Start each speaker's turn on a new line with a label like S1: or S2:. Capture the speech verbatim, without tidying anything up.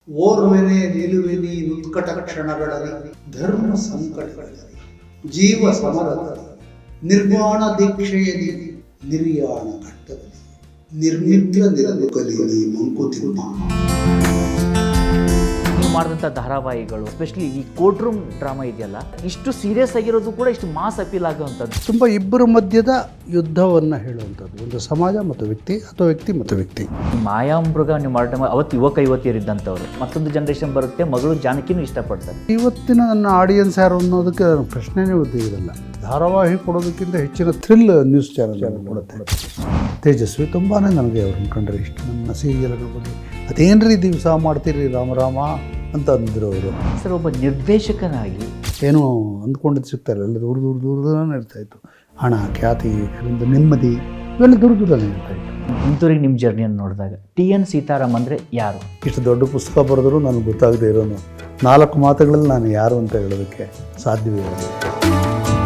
S1: ಓರ್ವೆನೆ ನಿಲುವೆನಿ ನುತ್ಕಟ ಕ್ಷಣಗಳಲ್ಲಿ ಧರ್ಮ ಸಂಕಟಗಳಲ್ಲಿ ಜೀವ ಸಮರದಲ್ಲಿ ನಿರ್ವಾಣ ದೀಕ್ಷೆಯಲ್ಲಿ ನಿರ್ಯಾಣ ಘಟ್ಟದಲ್ಲಿ ನಿರ್ಮಿತ್ರ ನಿರಲು ಕಲಿ ಮಂಕುತಿಮ್ಮ.
S2: ನೀವು ಮಾಡಿದಂಥ ಧಾರಾವಾಹಿಗಳು ಎಸ್ಪೆಷಲಿ ಈ ಕೋರ್ಟ್ ರೂಮ್ ಡ್ರಾಮಾ ಇದೆಯಲ್ಲ, ಇಷ್ಟು ಸೀರಿಯಸ್ ಆಗಿರೋದು ಕೂಡ ಇಷ್ಟು ಮಾಸ್ ಅಪೀಲ್ ಆಗುವಂಥದ್ದು.
S3: ತುಂಬ ಇಬ್ಬರ ಮಧ್ಯದ ಯುದ್ಧವನ್ನು ಹೇಳುವಂಥದ್ದು, ಒಂದು ಸಮಾಜ ಮತ್ತು ವ್ಯಕ್ತಿ ಅಥವಾ ವ್ಯಕ್ತಿ ಮತ್ತು ವ್ಯಕ್ತಿ.
S2: ಮಾಯಾಮೃಗ ನೀವು ಮಾಡೋ ಟೈಮ್ ಅವತ್ತು ಯುವಕ ಯುವತಿಯರಿದ್ದಂಥವ್ರು, ಮತ್ತೊಂದು ಜನರೇಷನ್ ಬರುತ್ತೆ, ಮಗಳು ಜಾನಕಿನೂ ಇಷ್ಟಪಡ್ತಾರೆ.
S3: ಇವತ್ತಿನ ನನ್ನ ಆಡಿಯನ್ಸ್ ಯಾರು ಅನ್ನೋದಕ್ಕೆ ಪ್ರಶ್ನೆನೇ ಇರಲ್ಲ. ಧಾರಾವಾಹಿ ಕೊಡೋದಕ್ಕಿಂತ ಹೆಚ್ಚಿನ ಥ್ರಿಲ್ ನ್ಯೂಸ್ ಚಾನಲ್ ಕೊಡುತ್ತೆ. ತೇಜಸ್ವಿ ತುಂಬಾ ನನಗೆ ಅವ್ರನ್ನ ಕಂಡ್ರೆ ಇಷ್ಟ. ನನ್ನ ಸೀರಿಯಲ್ಗಳ ಬಗ್ಗೆ ಅದೇನ್ರಿ ದಿವಸ ಮಾಡ್ತೀರಿ ರಾಮರಾಮ ಅಂತ ಅಂದರು ಅವರು.
S2: ಸರ್, ಒಬ್ಬ ನಿರ್ದೇಶಕನಾಗಿ
S3: ಏನೋ ಅಂದ್ಕೊಂಡಿದ್ದು ಸಿಗ್ತಾರೆ, ಎಲ್ಲ ದೂರ ದೂರ ದೂರದಲ್ಲೇ ಇರ್ತಾಯಿತ್ತು. ಹಣ, ಖ್ಯಾತಿ, ಒಂದು ನೆಮ್ಮದಿ ಇವೆಲ್ಲ ದೂರ ದೂರದಲ್ಲೇ ಇರ್ತಾಯಿತ್ತು.
S2: ಇಂಥವ್ರಿಗೆ ನಿಮ್ಮ ಜರ್ನಿಯನ್ನು ನೋಡಿದಾಗ ಟಿ ಎನ್ ಸೀತಾರಾಮ್ ಅಂದರೆ ಯಾರು?
S3: ಇಷ್ಟು ದೊಡ್ಡ ಪುಸ್ತಕ ಬರೆದರೂ ನನಗೆ ಗೊತ್ತಾಗದೇ ಇರೋನು ನಾಲ್ಕು ಮಾತುಗಳಲ್ಲಿ ನಾನು ಯಾರು ಅಂತ ಹೇಳೋದಕ್ಕೆ ಸಾಧ್ಯವೇ ಇಲ್ಲ.